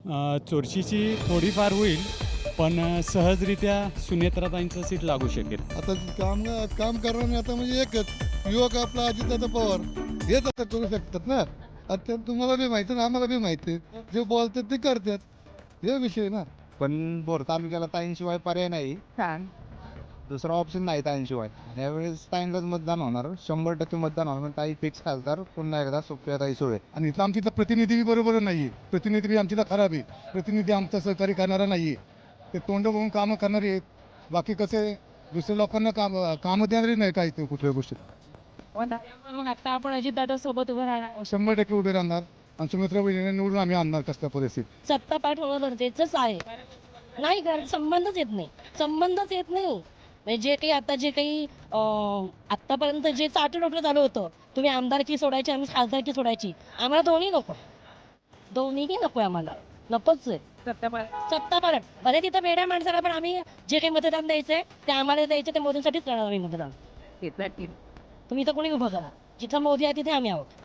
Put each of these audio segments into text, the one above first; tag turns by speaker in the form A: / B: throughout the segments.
A: चुरशीची थोडीफार होईल, पण सहजरित्या सुनेत्राताईंचं सीट लागू शकेल.
B: आता काम करणारे आता म्हणजे एकच युवक आपला अजितदादा पवार हेच आता करू शकतात ना. आता तुम्हाला बी माहिती ना, आम्हाला बी माहिती आहे. जे बोलतात ते करतात, हे विषय ना.
C: पण बोर तालुक्याला ताईंशिवाय पर्याय नाही. दुसरा ऑप्शन नाही ताईंशिवाय. यावेळेस ताईंलाच मतदान होणार, 100% मतदान होणार. ताई फिक्स खासदार पुन्हा एकदा सुप्रियाताई सुळे.
B: आणि इथं आमची तर प्रतिनिधी बी बरोबर नाही आहे. प्रतिनिधी बी आमची तर खराब आहे. प्रतिनिधी आमचा सहकार्य करणारा नाही आहे. ते तोंड बघून कामं करणारे आहेत. बाकी कसे दुसऱ्या लोकांना कामं देणारे नाही काही ते कुठल्या गोष्टी.
D: मग आता आपण अजितदादा सोबत उभं राहणार.
B: 100% उभे राहणार आणि सुमित्रा वहिनीने निवडून आम्ही आणणार कसल्या परिस्थितीत.
E: सत्ता पाठ होणं गरजेचंच आहे. नाही कारण संबंधच येत नाही. संबंधच येत नाही. म्हणजे जे काही आता जे काही आत्तापर्यंत जे चाटुनोटं झालं होतं, तुम्ही आमदारकी सोडायची, आम्ही खासदारकी सोडायची. आम्हाला दोन्ही नको. दोन्हीही नको आम्हाला. नकोच आहे. सत्ता पालट. भले तिथं वेड्या माणसाला पण आम्ही जे काही मतदान द्यायचंय ते आम्हाला द्यायचं, ते मोदींसाठीच करणार आम्ही मतदान. तुम्ही इथं कोणी उभं करा. जिथं मोदी आहे तिथे आम्ही आहोत.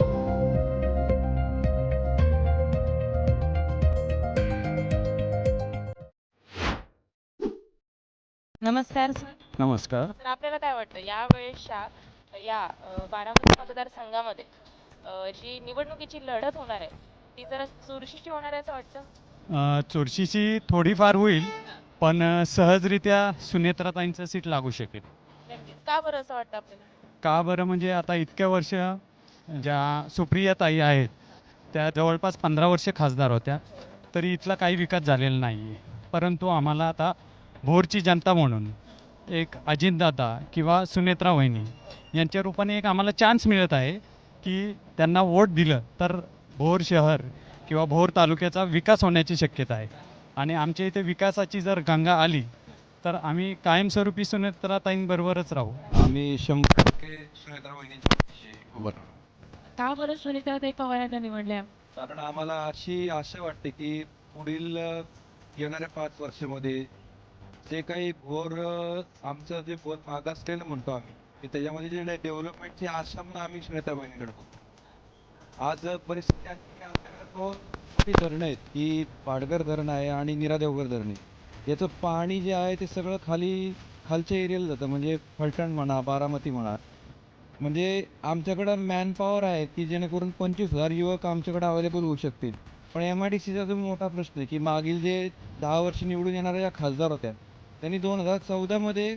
D: नमस्कार.
A: नमस्कार.
F: तर आपल्याला काय वाटतं यावेळेसच्या या बारामती मतदारसंघामध्ये जी निवडणुकीची लढत होणार आहे ती जरा चुरशीची होणार आहे असं वाटतं?
A: चुरशीची थोडीफार होईल, पण सहजरित्या सुनेत्राताईंचं सीट लागू शकेल.
F: नक्कीच. का बरं असं वाटतं आपल्याला?
A: का बरं म्हणजे आता इतक्या वर्ष ज्या सुप्रियाताई आहेत त्या जवळपास 15 वर्षे खासदार होत्या, तरी इथला काही विकास झालेला नाही आहे. परंतु आम्हाला आता भोरची जनता म्हणून एक अजितदादा किंवा सुनेत्रा वहिनी यांच्या रूपाने एक आम्हाला चान्स मिळत आहे की त्यांना वोट दिलं तर भोर शहर किंवा भोर तालुक्याचा विकास होण्याची शक्यता आहे. आणि आमच्या इथे विकासाची जर गंगा आली तर आम्ही कायमस्वरूपी सुनेत्राताईंबरोबरच राहू.
C: आम्ही 100% सुनेत्रा वहिनींच्या पाठीशी उभं राहू.
D: का बरं सुनीताताई पवारांना निवडल्या?
C: कारण आम्हाला अशी आशा वाटते की पुढील येणाऱ्या 5 वर्षामध्ये जे काही आमचं जे भोर मागासलेलं म्हणतो आम्ही की त्याच्यामध्ये जे डेव्हलपमेंटची आशा म्हणून आम्ही सुनेत्रा वहिनीकडे बघतो. आज परिस्थिती अशी की आमच्याकडे 2 मोठी धरणं आहेत की पाडगर धरण आहे आणि नीरा देवघर धरण आहे. याचं पाणी जे आहे ते सगळं खालच्या एरियाला जातं, म्हणजे फलटण म्हणा, बारामती म्हणा. म्हणजे आमच्याकडं मॅनपॉवर आहे की जेणेकरून 25,000 युवक आमच्याकडे अवेलेबल होऊ शकतील. पण MIDCचा जो मोठा प्रश्न आहे की मागील जे 10 वर्ष निवडून येणाऱ्या ज्या खासदार होत्या त्यांनी 2014मध्ये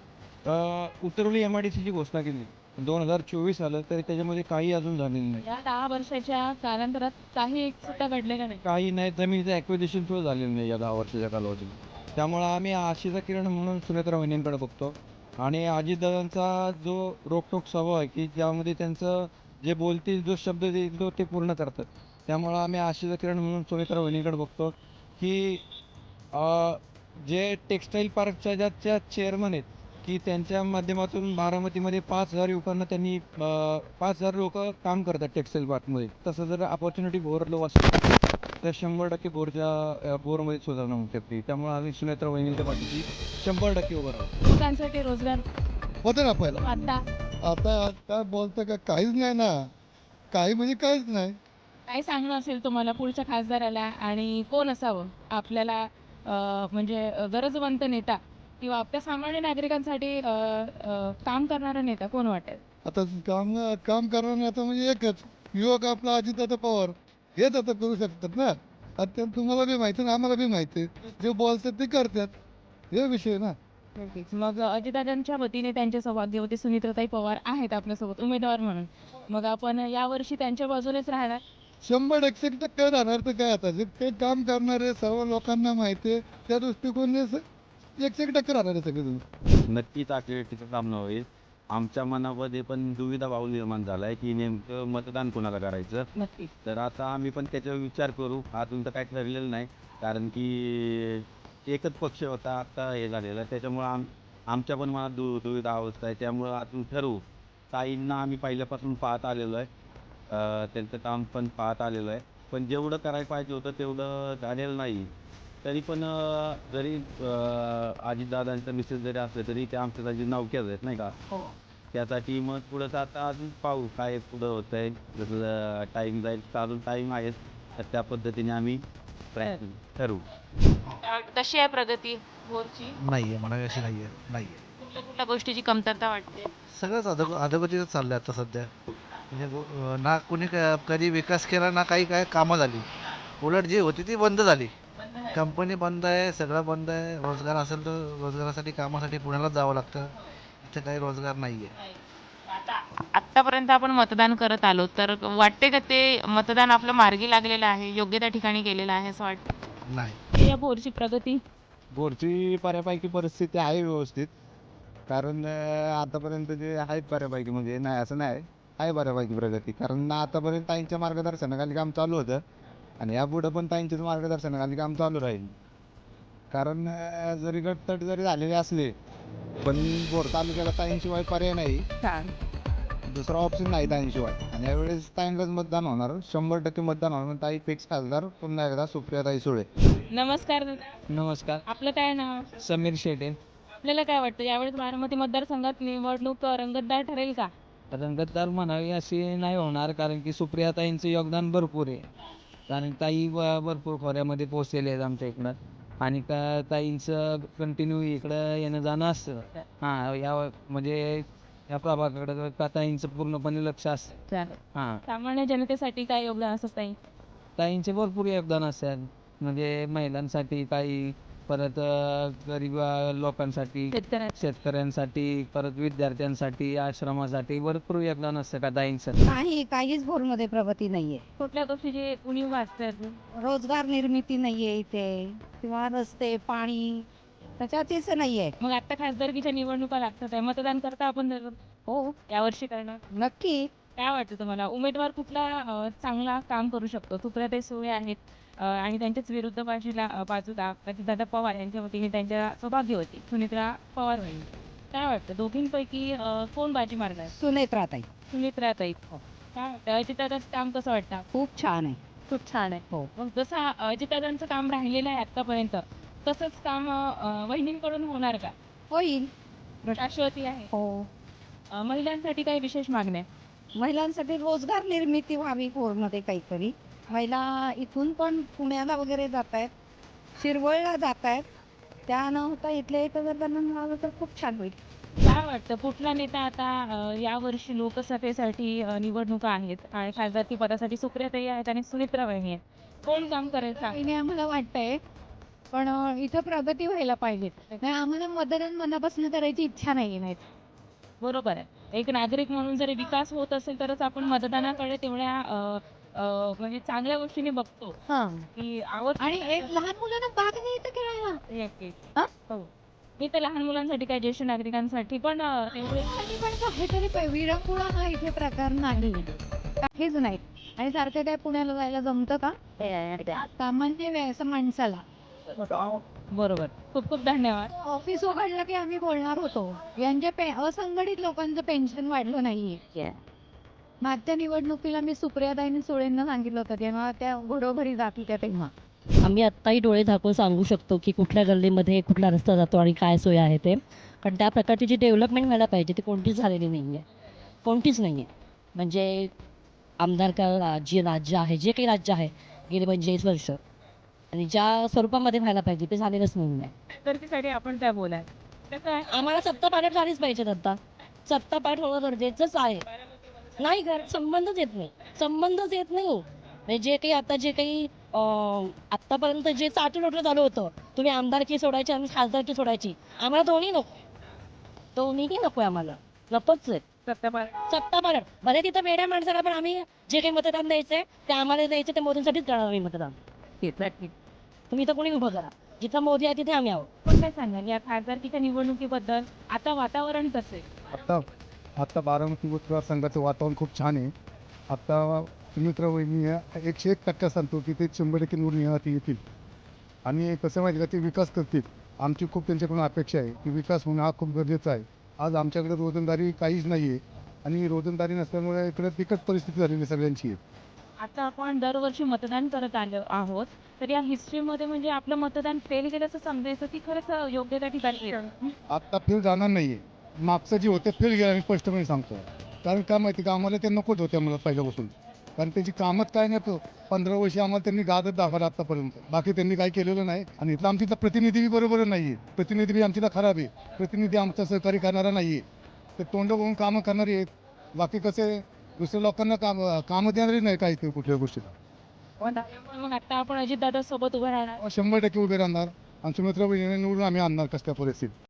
C: उतरवली MIDCची घोषणा केली. 2024 आलं तरी त्याच्यामध्ये काही अजून झालेलं नाही.
D: या 10 वर्षाच्या कालांतरात काही एक सुद्धा घडले का नाही?
C: काही नाही, जमिनीचं ॲक्विजिशन सुद्धा झालेलं नाही या 10 वर्षाच्या कालावधीत. त्यामुळं आम्ही आशेचा किरण म्हणून सुनेत्रा वहिनींकडे बघतो. आणि अजितदादांचा जो रोखठोक स्वभाव आहे की ज्यामध्ये त्यांचं जे बोलतील, जो शब्द देईल तो ते पूर्ण करतात. त्यामुळं आम्ही आशेचा किरण म्हणून सुनेत्रा वहिनींकडे बघतो की जे टेक्स्टाईल पार्कच्या ज्या चेअरमन आहेत की त्यांच्या माध्यमातून बारामतीमध्ये 5,000 युवकांना त्यांनी 5,000 लोक काम करतात टेक्स्टाईल पार्कमध्ये. तसं जर अपॉर्च्युनिटी भोरलो असेल तर 100% भोरमध्ये सुधारणा होऊ शकते. त्यामुळे आम्ही सुनेत्रा वहिनींच्या पाठीशी 100% उभं राहतो.
D: लोकांसाठी रोजगार
B: होतं ना पहिला. आता बोलतं का काहीच नाही ना. काही म्हणजे काहीच नाही.
D: काय सांगणं असेल तुम्हाला पुढच्या खासदाराला आणि कोण असावं आपल्याला म्हणजे गरजवंत नेता किंवा आपल्या सामान्य नागरिकांसाठी काम करणारा नेता कोण वाटेल?
B: आता काम करणारे आता म्हणजे एकच युवक आपला अजितदादा पवार हेच आता करू शकतात ना. आता तुम्हाला बी माहिती ना, आम्हाला बी माहिती आहे. जे बोलतात ते करतात, हे विषय ना.
D: मग अजितदादांच्या वतीने त्यांच्या सौभाग्यवती सुनीताताई पवार आहेत आपल्यासोबत उमेदवार म्हणून. मग आपण यावर्षी त्यांच्या बाजूनेच राहणार.
B: 100% राहणार तर काय आता जे काही काम करणारे सर्व लोकांना माहिती आहे त्या दृष्टिकोनाने 100% राहणार आहे सगळेजण.
G: नक्कीच आकडेवारीचं काम न होईल. आमच्या मनामध्ये पण दुविधा भाव निर्माण झाला आहे की नेमकं मतदान कोणाला करायचं.
D: नक्की.
G: तर आता आम्ही पण त्याच्यावर विचार करू. अजून तर काही ठरलेलं नाही, कारण की एकच पक्ष होता, आता हे झालेलं आहे. त्याच्यामुळं आमच्या पण मनात दुविधा अवस्था आहे. त्यामुळं अजून ठरवू. ताईंना आम्ही पहिल्यापासून पाहत आलेलो आहे, त्यांचं काम पण पाहत आलेलो आहे. पण जेवढं करायला पाहिजे होतं तेवढं झालेलं नाही. तरी पण जरी अजितदादांचं मिसेस जरी असलं तरी ते आमच्यासाठी नवक्याच आहेत नाही का. त्यासाठी मग पुढं आता अजून पाहू काय पुढं होतं आहे. जसं टाईम जाईल, चालून टाईम आहेच, तर त्या पद्धतीने आम्ही प्रयत्न ठरवू.
F: तशी आहे प्रगती भोरची?
H: नाही आहे म्हणा अशी नाही आहे नाही आहे
F: कुठल्या कुठल्या गोष्टीची कमतरता वाटते?
H: सगळंच अधोगतीच चाललं आहे आता सध्या म्हणजे ना कोणी कधी विकास केला ना काही काय कामं झाली. उलट जी होती ती बंद झाली. कंपनी बंद आहे, सगळं बंद आहे. रोजगार असेल तर रोजगारासाठी कामासाठी पुण्यालाच जावं लागतं. इथे काही रोजगार नाही आहे.
F: आत्तापर्यंत आपण मतदान करत आलो तर वाटते का ते मतदान आपलं मार्गी लागलेलं आहे, योग्य त्या ठिकाणी केलेलं आहे असं वाटतं?
H: नाही.
D: या भोरची प्रगती?
I: बोरची बऱ्यापैकी परिस्थिती आहे व्यवस्थित. कारण आतापर्यंत जे आहेत बऱ्यापैकी म्हणजे नाही असं नाही आहे बऱ्यापैकी प्रगती. कारण आतापर्यंत ताईंच्या मार्गदर्शनाखाली काम चालू होतं आणि यापुढं पण ताईंच्याच मार्गदर्शनाखाली काम चालू राहील. कारण जरी गटतट जरी झालेले असले पण बोर तालुक्याला ताईंशिवाय पर्याय नाही. दुसरा ऑप्शन नाही ताईंशिवाय. आणि यावेळेस ताईंलाच मतदान होणार, 100% मतदान होणार. ताई फिक्स खासदार पुन्हा एकदा सुप्रियाताई सुळे.
D: नमस्कार दादा.
J: नमस्कार.
D: आपलं काय नाव?
J: समीर शेटे.
D: आपल्याला काय वाटतं यावेळेस बारामती मतदारसंघात निवडणूक रंगतदार ठरेल का?
J: रंगतदार म्हणावी अशी नाही होणार कारण की सुप्रियाताईंचं योगदान भरपूर आहे. कारण ताई भरपूर खोऱ्यामध्ये पोचलेले आहेत आमच्या इकडं आणि ताईंचं कंटिन्यू इकडं येणं जाणं असतं. या म्हणजे या प्रभागाकडं ताईंचं पूर्णपणे लक्ष असतं.
D: चालेल. सामान्य जनतेसाठी काय योगदान असं ताई?
J: ताईंचे भरपूर योगदान असतात म्हणजे महिलांसाठी काही, परत गरीब लोकांसाठी, शेतकऱ्यांसाठी, परत विद्यार्थ्यांसाठी, आश्रमासाठी भरपूर योगदान असतं का ताईंचं.
E: नाही, काहीच भोरमध्ये प्रगती नाहीये.
D: कुठल्या गोष्टीची उणीव वाचतात?
E: रोजगार निर्मिती नाहीये इथे किंवा रस्ते, पाणी त्याच्यातच नाहीये.
D: मग आता खासदारकीच्या निवडणुका लागतात आहे, मतदान करता आपण
E: हो,
D: यावर्षी करणार?
E: नक्की.
D: काय वाटतं तुम्हाला उमेदवार कुठला चांगला काम करू शकतो? सुप्रियाताई सुळे आहेत आणि त्यांच्याच विरुद्ध बाजूला दादा पवार यांच्या वतीने त्यांच्या सौभाग्य होती सुनित्रा पवार होईल. काय वाटतं दोघींपैकी कोण बाजी मारणार?
E: सुनेत्राताई.
D: सुनित्राताई. काय वाटतं अजितदादांचं काम कसं वाटतं?
E: खूप छान आहे.
D: खूप छान आहे.
E: हो.
D: मग जसं अजितदादांचं काम राहिलेलं आहे आतापर्यंत तसंच काम वहिनींकडून होणार का?
E: होईल.
D: शाश्वती आहे.
E: हो.
D: महिलांसाठी काही विशेष मागण्या?
E: महिलांसाठी रोजगार निर्मिती व्हावी भोरमध्ये काहीतरी. महिला इथून पण पुण्याला वगैरे जात आहेत, शिरवळला जात आहेत. त्या न होता इथल्या इथं जर त्यांना मिळालं तर खूप छान होईल.
D: काय वाटतं कुठला नेता आता यावर्षी लोकसभेसाठी निवडणुका आहेत आणि खासदारकी पदासाठी सुप्रियाताई आहेत आणि सुनित्रा वहिनी आहेत, कोण काम करेल सांग?
K: आम्हाला वाटतंय पण इथं प्रगती व्हायला पाहिजे. नाही आम्हाला मतदान मनापासून करायची इच्छा नाही.
D: बरोबर आहे. एक नागरिक म्हणून जर विकास होत असेल तरच आपण मतदानाकडे तेवढ्या म्हणजे चांगल्या गोष्टीने बघतो की आवड.
K: आणि एक लहान मुलांना भाग घ्यायचं खेळायला.
D: हो. मी तर लहान मुलांसाठी काय ज्येष्ठ नागरिकांसाठी पण तेवढे
K: काहीतरी विरंगुळा हा इथे प्रकार नाही, काहीच नाही. आणि सारखं काय पुण्याला जायला जमतं का सामान्य व्यायचं माणसाला?
D: बरोबर. खूप खूप धन्यवाद.
K: ऑफिस उघडलं की आम्ही बोलणार होतो यांच्या असंघटित लोकांचं पेन्शन वाढलं नाहीये. मागच्या निवडणुकीला मी सुप्रियाताईंनी सुळेंना सांगितलं होतं तेव्हा त्या घरोघरी जात होत्या तेव्हा.
E: आम्ही आत्ताही डोळे झाकून सांगू शकतो की कुठल्या गल्लीमध्ये कुठला रस्ता जातो आणि काय सोय आहे ते. कारण त्या प्रकारची जी डेव्हलपमेंट व्हायला पाहिजे ती कोणतीच झालेली नाही आहे. कोणतीच नाही आहे. म्हणजे आमदार का जे राज्य आहे, जे काही राज्य आहे गेली 45 वर्ष आणि ज्या स्वरूपामध्ये व्हायला पाहिजे ते झालेलंच नाही आहे.
D: तर त्यासाठी आपण काय बोलाय कसं आहे
E: आम्हाला सत्ता पालट झालीच पाहिजे. आता सत्ता पालट होणं गरजेचंच आहे. नाही संबंधच येत नाही. संबंधच येत नाही. म्हणजे जे काही आता जे काही आत्तापर्यंत जे चाटून झालं होतं, तुम्ही आमदारकी सोडायची आणि खासदारकी सोडायची, आम्हाला दोन्ही नको. दोन्हीही नको आहे आम्हाला. नकोच आहे सत्ता पालट. भले तिथं वेड्या माणसाला पण आम्ही जे काही मतदान द्यायचंय ते आम्हाला द्यायचं ते मोदींसाठीच करणार आम्ही मतदान. तुम्ही इथं कोणी उभं करा. जिथं मोदी आहे तिथे आम्ही आहोत.
D: पण काय सांगाल या खासदारकीच्या निवडणुकीबद्दल? आता वातावरण कसं आहे?
B: आत्ता बारामती मतदारसंघाचं वातावरण खूप छान आहे. आत्ता सुमित्रा वहिनी 101% सांगतो की ते 100% निवडून येतील. आणि कसं माहिती का ते विकास करतील. आमची खूप त्यांच्याकडून अपेक्षा आहे की विकास होणं हा खूप गरजेचा आहे. आज आमच्याकडे रोजंदारी काहीच नाही आहे आणि रोजंदारी नसल्यामुळे इकडे बिकट परिस्थिती झालेली सगळ्यांची आहे.
D: आता आपण दरवर्षी मतदान करत आलो आहोत तर या हिस्ट्रीमध्ये म्हणजे आपलं मतदान फेल गेल्याचं समजायचं की खरंच योग्य त्या ठिकाणी
B: आत्ता फेल जाणार नाही आहे. मागचं जे होते फेल गेलं मी स्पष्टपणे सांगतो. कारण काय माहिती का आम्हाला ते नकोच होते मला पहिल्यापासून. कारण त्यांची कामच काय नाही. 15 वर्ष आम्हाला त्यांनी गाजत दाखवलं आत्तापर्यंत. बाकी त्यांनी काही केलेलं नाही. आणि इथला आमच्या इथला प्रतिनिधी बी बरोबर नाही आहे. प्रतिनिधी बी आमच्या इथला खराब आहे. प्रतिनिधी आमचं सहकार्य करणारा नाही आहे. ते तोंड बघून कामं करणारे आहेत. बाकी कसे दुसऱ्या लोकांना कामं देणारे नाही काही ते कुठल्या गोष्टीला.
D: मग आता आपण अजितदादा सोबत उभं राहणार.
B: 100% उभे राहणार. आमचे मित्र निवडून आम्ही आणणार कसल्या परिस्थितीत.